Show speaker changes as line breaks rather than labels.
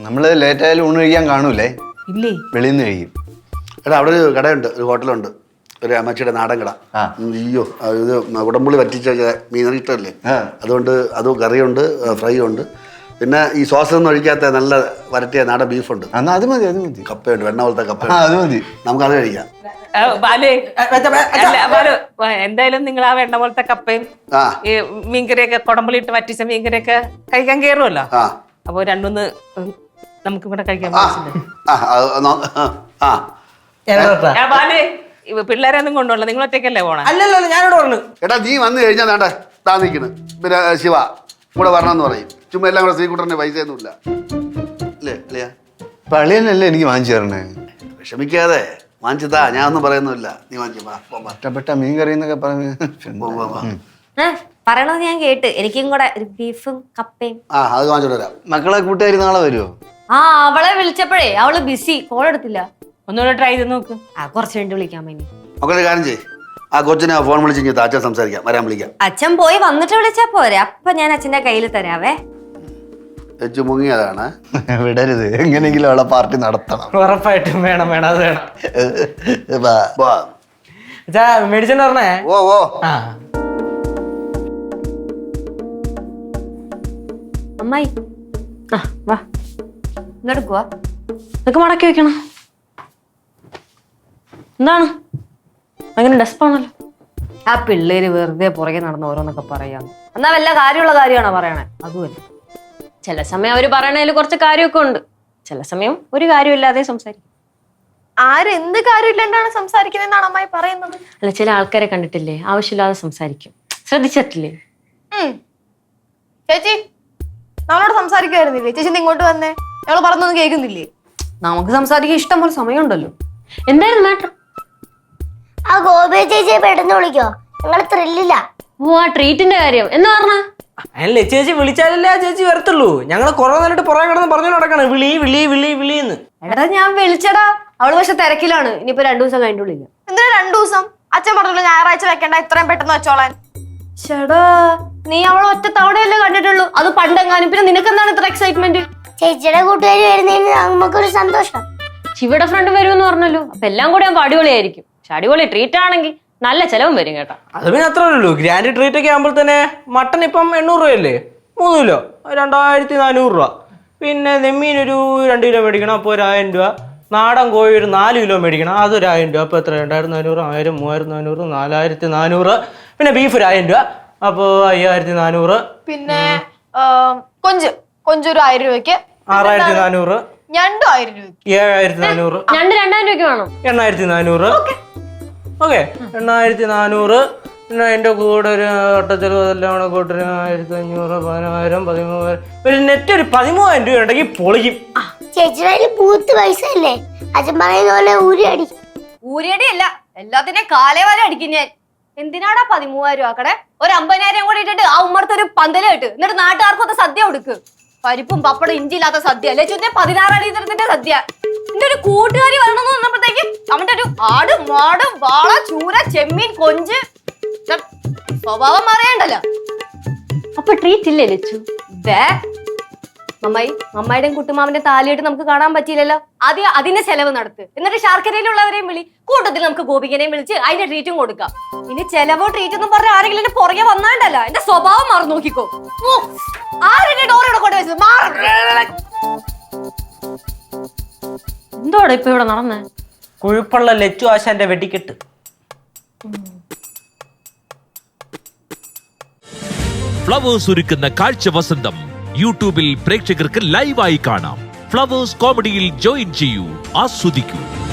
നമ്മള് ലേറ്റ് ആയാലും ഊണ് കഴിക്കാൻ കാണൂലേ?
ഇല്ലേ?
വെളിയിൽ നിന്ന് കഴിക്കും.
എടാ അവിടെ ഒരു കടയുണ്ട്, ഒരു ഹോട്ടലുണ്ട്, ഒരു അമ്മച്ചിയുടെ നാടൻ കട. അയ്യോ ഇത് ഉടമ്പുള്ളി വറ്റിച്ച മീൻ ഇഷ്ടമല്ലേ, അതുകൊണ്ട് അത് കറിയുണ്ട്, ഫ്രൈ ഉണ്ട്, പിന്നെ ഈ സോസൊന്നും ഒഴിക്കാത്ത നല്ല വരട്ടിയ നാടൻ ബീഫുണ്ട്.
എന്നാ അത് മതി, അത് മതി.
കപ്പയുണ്ട്, വെണ്ണ പോലത്തെ കപ്പ,
അത് മതി,
നമുക്കത് കഴിക്കാം.
എന്തായാലും നിങ്ങൾ ആ വെണ്ണ പോലത്തെ കപ്പയും ഈ മീൻകറിയൊക്കെ കുടമ്പളിയിട്ട് വറ്റിച്ച മീൻകറിയൊക്കെ കഴിക്കാൻ കയറുമല്ലോ. അപ്പൊ രണ്ടൊന്ന് നമുക്ക് ഇവിടെ കഴിക്കാൻ പിള്ളേരൊന്നും കൊണ്ടുപോകണ്ട, നിങ്ങൾ ഒറ്റയ്ക്കല്ലേ പോണേ?
അല്ലല്ലോ, ഞാനോട് പറഞ്ഞു.
എടാ നീ വന്നു കഴിഞ്ഞാൽ വേണ്ട താ നിൽക്കണ്, പിന്നെ ശിവ കൂടെ വരണമെന്ന് പറയും. ചുമ്മാ എല്ലാം കൂടെ ശ്രീകുട്ടറിന് പൈസ ഒന്നുമില്ല അല്ലേ അല്ലയാ?
പള്ളിയല്ലേ എനിക്ക് വാങ്ങിച്ചു തരണേ.
വിഷമിക്കാതെ വാങ്ങിച്ചതാ, ഞാൻ ഒന്നും പറയുന്നില്ല. നീ വാങ്ങിച്ചു
ഇഷ്ടപ്പെട്ട മീൻ കറി എന്നൊക്കെ പറഞ്ഞു
പറയണത് ഞാൻ കേട്ട്. എനിക്കും കൂടെ ഒരു ബീഫും കപ്പയും.
അത് വാങ്ങിച്ചോണ്ട് വരാം.
മക്കളെ കൂട്ടുകാരി നാളെ വരുമോ?
അവളെ വിളിച്ചപ്പോഴേ അവള് ബിസി, കോൾ എടുത്തില്ല.
ഒന്നുകൂടെ ട്രൈ ചെയ്ത് നോക്ക്.
കുറച്ച് വേണ്ടി വിളിക്കാൻ വേണ്ടി.
മക്കളെ കാര്യം ചെയ്യ്, ആ കൊച്ചിനെ ഫോൺ വിളിച്ച് അച്ഛൻ സംസാരിക്കാം, വരാൻ വിളിക്കാം.
അച്ഛൻ പോയി വന്നിട്ട് വിളിച്ചാ പോരെ, അപ്പൊ ഞാൻ അച്ഛന്റെ കയ്യിൽ തരാവേ.
വെച്ചു മുങ്ങിയതാണ്.
വിടരുത്, എങ്ങനെയെങ്കിലും അവളെ പാർട്ടി നടത്തണം.
ഉറപ്പായിട്ടും വേണം, വേണം, അത് വേണം. മെഡിസിൻ പറഞ്ഞേ.
ഓ ഓ
അമ്മായി വാ, ഇങ്ങോട്ട് ഇതൊക്കെ മടക്കി വെക്കണം. എന്താണ് അങ്ങനെ ഡെസ്പാണല്ലോ? ആ പിള്ളേര് വെറുതെ പുറകെ നടന്ന് ഓരോന്നൊക്കെ പറയാന്ന്. എന്നാ വല്ല കാര്യമുള്ള കാര്യമാണോ പറയണേ? അതുമല്ല, ചില സമയം അവര് പറയണതിൽ കുറച്ച് കാര്യമൊക്കെ ഉണ്ട്, ചില സമയം ഒരു കാര്യമില്ലാതെ സംസാരിക്കും.
ആരെന്ത് കാര്യമില്ലാണ്ടാണ് സംസാരിക്കുന്നതെന്നാണ് അമ്മായി പറയുന്നത്?
അല്ല, ചില ആൾക്കാരെ കണ്ടിട്ടില്ലേ, ആവശ്യമില്ലാതെ സംസാരിക്കും. ശ്രദ്ധിച്ചിട്ടില്ലേ?
ചേച്ചി നമ്മളോട് സംസാരിക്കുമായിരുന്നില്ലേ? ചേച്ചി ഇങ്ങോട്ട് വന്നേ, ഞങ്ങള് പറഞ്ഞൊന്നും കേൾക്കുന്നില്ലേ?
നമുക്ക് സംസാരിക്കാൻ ഇഷ്ടം പോലെ സമയമുണ്ടല്ലോ. എന്തായിരുന്നു മാറ്റർ?
ആ ഗോപി ചേച്ചിയെ പെട്ടെന്ന് വിളിക്കോ, ഞങ്ങള് ത്രില്ലില്ല.
ഓ, ആ ട്രീറ്റിന്റെ കാര്യം എന്ന് പറഞ്ഞ
അല്ലേ? ചേച്ചി വിളിച്ചാലല്ലേ ആ ചേച്ചി വരത്തുള്ളൂ. ഞങ്ങള് കുറെ നേരിട്ട് പുറകെ കിടന്ന് പറഞ്ഞു നടക്കണം, വിളി വിളി വിളി വിളിന്ന്.
എടാ ഞാൻ വിളിച്ചടാ, അവള് പക്ഷെ തിരക്കിലാണ്. ഇനിയിപ്പോ 2 ദിവസം കഴിഞ്ഞിട്ട് വിളിക്കാം.
എന്തിനാ 2 ദിവസം? അച്ഛൻ പറഞ്ഞല്ലോ ഞായറാഴ്ച വെക്കണ്ട, ഇത്രയും പെട്ടെന്ന് വെച്ചോളാൻ.
ചേടാ, നീ അവളെ ഒറ്റ തവണയല്ലേ കണ്ടിട്ടുള്ളൂ, അത് പണ്ടെങ്ങാനും. പിന്നെ നിനക്കെന്താണ് ഇത്ര എക്സൈറ്റ്മെന്റ്?
ചേച്ചിയുടെ കൂട്ടുകാരി വരുന്നതിന് നമുക്കൊരു സന്തോഷം.
ശിവയുടെ ഫ്രണ്ട് വരുമെന്ന് പറഞ്ഞല്ലോ, അപ്പൊ എല്ലാം കൂടെ ആകുമ്പോ അടിപൊളിയായിരിക്കും. പക്ഷെ അടിപൊളി ട്രീറ്റ് ആണെങ്കിൽ നല്ല ചെലവും വരും കേട്ടോ.
അത് പിന്നെ അത്രേ ഉള്ളൂ. ഗ്രാൻഡ് ട്രീറ്റ് ഒക്കെ ആകുമ്പോൾ തന്നെ മട്ടൺ ഇപ്പം 800 രൂപയല്ലേ, 3 കിലോ 2400 രൂപ. പിന്നെ നെമ്മീൻ ഒരു 2 കിലോ മേടിക്കണം, അപ്പോൾ 1000 രൂപ. നാടൻ കോഴി ഒരു 4 കിലോ മേടിക്കണം, അതൊരു 1000 രൂപ. അപ്പോൾ എത്ര? 2400, 1000, 3400, 4400. പിന്നെ ബീഫ് ഒരു 1000 രൂപ, അപ്പോൾ 5400.
പിന്നെ കൊഞ്ചൊരു 1000 രൂപയ്ക്ക്,
6400.
ഞണ്ടും 1000 രൂപയ്ക്ക്,
7400.
2000 രൂപയ്ക്ക് വേണം.
8400. ഓക്കെ, 8400. പിന്നെ അതിന്റെ കൂടെ ഒരു ഒട്ടച്ചെലവ് അതെല്ലാം കൂടെ കൂട്ടൊരു 1500, 10000, 13000. ഒരു നെറ്റ് ഒരു 13000 രൂപ ഉണ്ടെങ്കിൽ പൊളിക്കും.
ചേച്ചിയുടെ പൂത്ത് പൈസ അല്ലേ, അച്ഛൻ പറയുന്ന പോലെ ഊരിയടി.
ഊരിയടി അല്ല, എല്ലാത്തിനെയും കാലേ വരെ അടിക്കും ഞാൻ. എന്തിനാടാ 13,000 രൂപ ആക്കടെ? ഒരു 50,000 കൂടി ഇട്ടിട്ട് ആ ഉമ്മർത്തൊരു പന്തല് കിട്ട്, എന്നിട്ട് നാട്ടുകാർക്കൊക്കെ സദ്യ കൊടുക്ക്. പരിപ്പും പപ്പടം ഇഞ്ചിയില്ലാത്ത സദ്യ അല്ലേ ചുറ്റേ 16 അടി തരത്തിന്റെ സദ്യ. എന്റെ ഒരു കൂട്ടുകാരി വരണമെന്ന് പറഞ്ഞപ്പോഴത്തേക്കും അവന്റെ ഒരു ആട്, മാട്, വാള, ചൂര, ചെമ്മീൻ, കൊഞ്ച്. സ്വഭാവം മാറിയണ്ടല്ലോ. അപ്പൊ ട്രീറ്റ് ഇല്ലേ ലച്ചു? മമ്മായിയുടെയും കുട്ടുമാവിന്റെ താലിയായിട്ട് നമുക്ക് കാണാൻ പറ്റിയില്ലല്ലോ. ആദ്യം അതിന്റെ ചെലവ് നടത്ത്, എന്നിട്ട് ശാർക്കരയിലുള്ളവരെയും വിളി, കൂട്ടത്തിൽ നമുക്ക് ഗോപികനെയും വിളിച്ച് അതിന്റെ ട്രീറ്റും കൊടുക്കാം. ഇനി ചെലവോ ട്രീറ്റ് എന്നും പറഞ്ഞ ആരെങ്കിലും എന്റെ പുറകെ വന്നാണ്ടല്ല, എന്റെ സ്വഭാവം മാറി നോക്കിക്കോ. ആരുടെ ഡോറോടെ കൊണ്ട് വെച്ചത് എന്തോടെ ഇപ്പൊ ഇവിടെ നടന്നേ?
കുഴിപ്പുള്ള ലച്ചു ആശാന്റെ വെടിക്കെട്ട്.
ഫ്ലവേഴ്സ് ഒരുക്കുന്ന കാഴ്ച വസന്തം യൂട്യൂബിൽ പ്രേക്ഷകർക്ക് ലൈവായി കാണാം. ഫ്ലവേഴ്സ് കോമഡിയിൽ ജോയിൻ ചെയ്യൂ, ആസ്വദിക്കൂ.